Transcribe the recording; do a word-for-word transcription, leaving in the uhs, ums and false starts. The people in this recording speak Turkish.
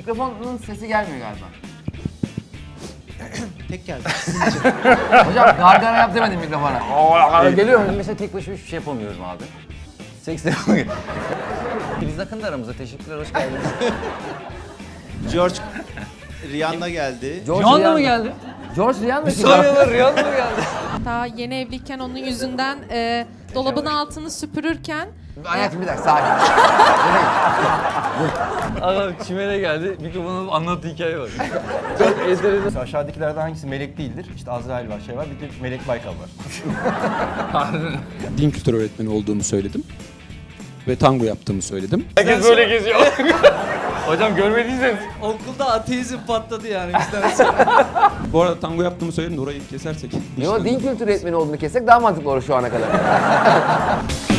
Mikrofonun sesi gelmiyor galiba. Tek geldi. Hocam gargara yap demedim mikrofona. Geliyor mu? Mesela tek başıma hiçbir şey yapamıyorum abi. Seks de yapamıyorum. Filiz Akın da aramızda. Teşekkürler, hoş geldiniz. George Rihanna geldi. Rihanna mı geldi? George Rihanna kim? Soruyorlar, Rihanna mı geldi? Daha yeni evliyken onun yüzünden e, dolabın altını süpürürken Hayatım bir dakika sakin. Adam çimene geldi, mikrofonu anlattığı hikaye var. Çok enteresan. Aşağıdakilerden hangisi melek değildir? İşte Azrail var, şey var, bir de Melek Baykal var. Din kültürü öğretmeni olduğumu söyledim. Ve tango yaptığımı söyledim. Herkes böyle geziyor. Hocam görmediyseniz. Okulda ateizm patladı yani bizden sonra. Bu arada tango yaptığımı söyledim de orayı kesersek. Yo din kültürü öğretmeni olduğunu kessek daha mantıklı olur şu ana kadar.